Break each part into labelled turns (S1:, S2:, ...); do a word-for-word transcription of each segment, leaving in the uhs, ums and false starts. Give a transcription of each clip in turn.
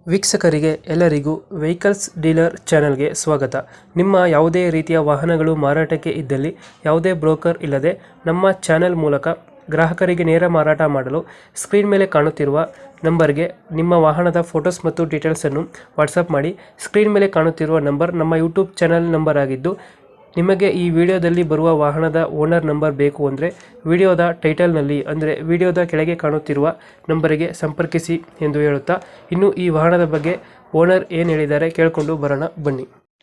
S1: ವೀಕ್ಷಕರಿಗೆ ಎಲ್ಲರಿಗೂ vehicles dealer ಚಾನೆಲ್ಗೆ ಸ್ವಾಗತ. ನಿಮ್ಮ ಯಾವುದೇ ರೀತಿಯ ವಾಹನಗಳು ಮಾರಾಟಕ್ಕೆ ಇದ್ದಲ್ಲಿ ಯಾವುದೇ ಬ್ರೋಕರ್ ಇಲ್ಲದೆ ನಮ್ಮ ಚಾನೆಲ್ ಮೂಲಕ ಗ್ರಾಹಕರಿಗೆ ನೇರ ಮಾರಾಟ ಮಾಡಲು ಸ್ಕ್ರೀನ್ ಮೇಲೆ ಕಾಣುತ್ತಿರುವ ನಂಬರ್ಗೆ ನಿಮ್ಮ ವಾಹನದ ಫೋಟೋಸ್ ಮತ್ತು ಡೀಟೇಲ್ಸನ್ನು ವಾಟ್ಸಪ್ ಮಾಡಿ. ಸ್ಕ್ರೀನ್ ಮೇಲೆ ಕಾಣುತ್ತಿರುವ ನಂಬರ್ ನಮ್ಮ ಯೂಟ್ಯೂಬ್ ಚಾನೆಲ್ ನಂಬರ್ ಆಗಿದ್ದು, ನಿಮಗೆ ಈ ವಿಡಿಯೋದಲ್ಲಿ ಬರುವ ವಾಹನದ ಓನರ್ ನಂಬರ್ ಬೇಕು ಅಂದರೆ ವಿಡಿಯೋದ ಟೈಟಲ್ನಲ್ಲಿ ಅಂದರೆ ವಿಡಿಯೋದ ಕೆಳಗೆ ಕಾಣುತ್ತಿರುವ ನಂಬರಿಗೆ ಸಂಪರ್ಕಿಸಿ ಎಂದು ಹೇಳುತ್ತಾ, ಇನ್ನು ಈ ವಾಹನದ ಬಗ್ಗೆ ಓನರ್ ಏನು ಹೇಳಿದ್ದಾರೆ ಕೇಳಿಕೊಂಡು ಬರೋಣ ಬನ್ನಿ.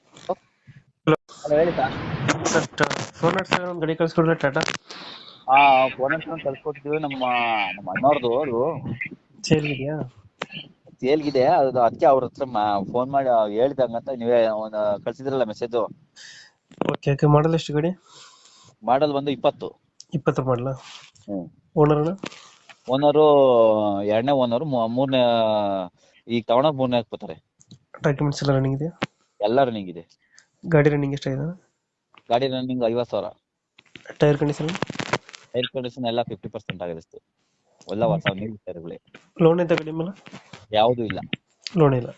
S2: ಹಲೋ ಹೇಳಿ ಸರ್.
S1: ಫೋನ್ ಒಂದು ಗಾಡಿ ಕಳಿಸ್ಕೊಡ್ರೆ ಟಾಟಾ
S2: ಹಾ ಫೋನ್ ಹತ್ರ ಕಳ್ಸ್ಕೊಟ್ಟಿದ್ವಿ. ನಮ್ಮ ನಮ್ಮ ಅಣ್ಣವ್ರದ್ದು ಅದು
S1: ಸೇಲ್ ಇದೆಯಾ?
S2: ಸೇಲ್ಗಿದೆ. ಅದು ಅದಕ್ಕೆ ಅವ್ರ ಹತ್ರ ಫೋನ್ ಮಾಡಿ ಹೇಳ್ದಂಗಂತ ನೀವೇ ಒಂದು ಕಳ್ಸಿದ್ರಲ್ಲ ಮೆಸೇಜ್.
S1: Okay okay. ಮಾಡಲ್ ಎಷ್ಟು ಗಾಡಿ?
S2: ಮಾಡಲ್ ಬಂದು ಇಪ್ಪತ್ತು
S1: ಇಪ್ಪತ್ತು ಮಾಡಲ.
S2: ಹ್ಮ್
S1: ಓನರ್
S2: ಓನರು ಎರಡನೇ ಓನರು ಮೂರನೇ ಈಗ ತಗೊಂಡಾಗ ಮೂರನೇ ಹಾಕ್ಬೋತಾರೆ.
S1: ಡಾಕ್ಯುಮೆಂಟ್ಸ್ ಎಲ್ಲ ರನ್ನಿಂಗ್ ಇದೆಯಾ?
S2: ಎಲ್ಲ ರನ್ನಿಂಗ್ ಇದೆ.
S1: ಗಾಡಿ ರನ್ನಿಂಗ್ ಎಷ್ಟಾಗಿದೆ?
S2: ಗಾಡಿ ರನ್ನಿಂಗ್ ಐವತ್ತು ಸಾವಿರ.
S1: Tyre condition?
S2: ಏರ್ ಕಂಡೀಷನ್ ಎಲ್ಲ ಫಿಫ್ಟಿ ಪರ್ಸೆಂಟ್ ಆಗಿದೆ ಅಷ್ಟು. ಎಲ್ಲ ಹೊಸ ನೀರು ಟೈರ್ಗಳೇ.
S1: ಲೋನ್ ಐತೆ ಗಾಡಿ ಮೇಲೆ?
S2: ಯಾವುದು ಇಲ್ಲ.
S1: ಲೋನ್ ಇಲ್ಲ.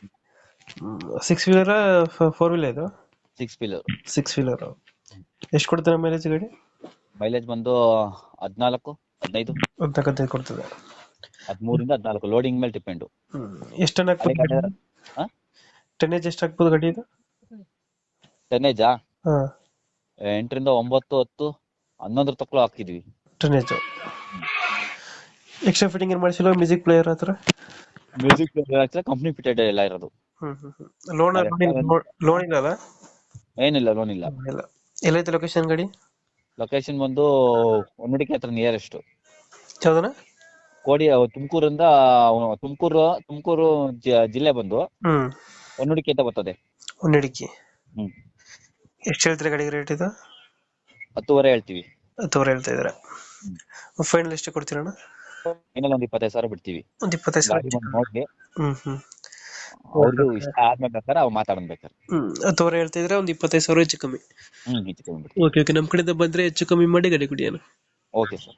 S1: ಸಿಕ್ಸ್ ವೀಲರ್ ಫೋರ್ ವೀಲರ್ ಇದು?
S2: Six wheeler.
S1: Six wheeler. ಎಷ್ಟು ಕೊಡ್ತಾರೆ ಮೈಲೇಜ್ ಗಾಡಿ?
S2: ಮೈಲೇಜ್ ಬಂದು ಹದಿನಾಲ್ಕು ಹದಿನೈದು
S1: ಹದಿನಾಲ್ಕು ಕೊಡ್ತದೆ.
S2: ಹದಿಮೂರಿಂದ ಹದಿನಾಲ್ಕು ಲೋಡಿಂಗ್ ಮೇಲೆ ಡಿಪೆಂಡ್.
S1: ಎಷ್ಟು ಟನ್ ಹಾಕ್ಬೋದು? ಟನ್ನೇಜ್ ಎಷ್ಟು ಹಾಕ್ಬೋದು ಗಾಡಿ ಇದು?
S2: ಟನ್ನೇಜಾ
S1: ಹಾ,
S2: ಎಂಟರಿಂದ ಒಂಬತ್ತು ಹತ್ತು ಹನ್ನೊಂದರ ತಕ್ಕಲು ಹಾಕಿದ್ವಿ
S1: ಟನ್ನೇಜ್. ಎಕ್ಸ್ಟ್ರಾ ಫಿಟ್ಟಿಂಗ್ ಏನು ಮಾಡಿಸಿಲ್ಲ? ಮ್ಯೂಸಿಕ್ ಪ್ಲೇಯರ್ ಹತ್ರ
S2: ಮ್ಯೂಸಿಕ್ ಕಂಪ್ನಿ ಫಿಟೆಡ್ ಎಲ್ಲ ಇರೋದು.
S1: ಲೋನ್ ಲೋನ್ ಇಲ್ಲ ಅಲ್ಲ?
S2: ಏನಿಲ್ಲ, ಲೋನ್ ಇಲ್ಲ.
S1: ಇಲ್ಲ. ಎಲ್ಲೈತೆ ಲೊಕೇಶನ್ ಗಾಡಿ?
S2: ಲೊಕೇಶನ್ ಬಂದು ಹೊನ್ನಡಿಕೆ ಹತ್ರ ನಿಯರೆಸ್ಟ್.
S1: ಯಾವ್ದನ?
S2: ಕೋಡಿ ತುಮಕೂರಿಂದ ತುಮಕೂರು ತುಮಕೂರು ಜಿಲ್ಲೆ ಬಂದು
S1: ಹ್ಮ್
S2: ಹೊನ್ನಡಿಕೆ ಅಂತ ಬರ್ತದೆ.
S1: ಹೊನ್ನಡಿಕೆ.
S2: ಹ್ಮ್
S1: ಎಷ್ಟು ಹೇಳ್ತೀರಾ ಗಾಡಿಗೆ ರೇಟ್ ಇದು?
S2: ಹತ್ತುವರೆ ಹೇಳ್ತೀವಿ.
S1: ಹತ್ತುವರೆ ಹೇಳ್ತಾ ಇದ್ದೀರಾ? ಫೈನಲ್ ಎಷ್ಟು ಕೊಡ್ತೀರಣ್ಣ?
S2: ಇನ್ನೊಂದು ಒಂದ್ ಇಪ್ಪತ್ತೈದು ಸಾವಿರ ಬಿಡ್ತೀವಿ.
S1: ಒಂದ್ ಇಪ್ಪತ್ತೈದು ಸಾವಿರ
S2: ಗಾಡಿ ಬಂದು ನೋಡಿ
S1: ಹ್ಮ್ ಹ್ಮ್
S2: ಅವ್ರಿಗೂ ಇಷ್ಟ ಆದ್ಮೇಲೆ ಬೇಕಾದ್ರೆ ಅವ್ರು ಮಾತಾಡ್ಬೇಕಾರೆ.
S1: ಹ್ಮ್ ಹತ್ತುವರೆ ಹೇಳ್ತಾ ಇದ್ರೆ ಒಂದ್ ಇಪ್ಪತ್ತೈದು ಸಾವಿರ ಹೆಚ್ಚು ಕಮ್ಮಿ.
S2: ಹ್ಮ್ ಹೆಚ್ಚು ಕಮ್ಮಿ ಬಿಡ್ತೀವಿ.
S1: Okay okay. ನಮ್ ಕಡೆಯಿಂದ ಬಂದ್ರೆ ಹೆಚ್ಚು ಕಮ್ಮಿ ಮಾಡಿ ಗಾಡಿ ಕೊಡಿ ಅಣ್ಣ.
S2: Okay sir.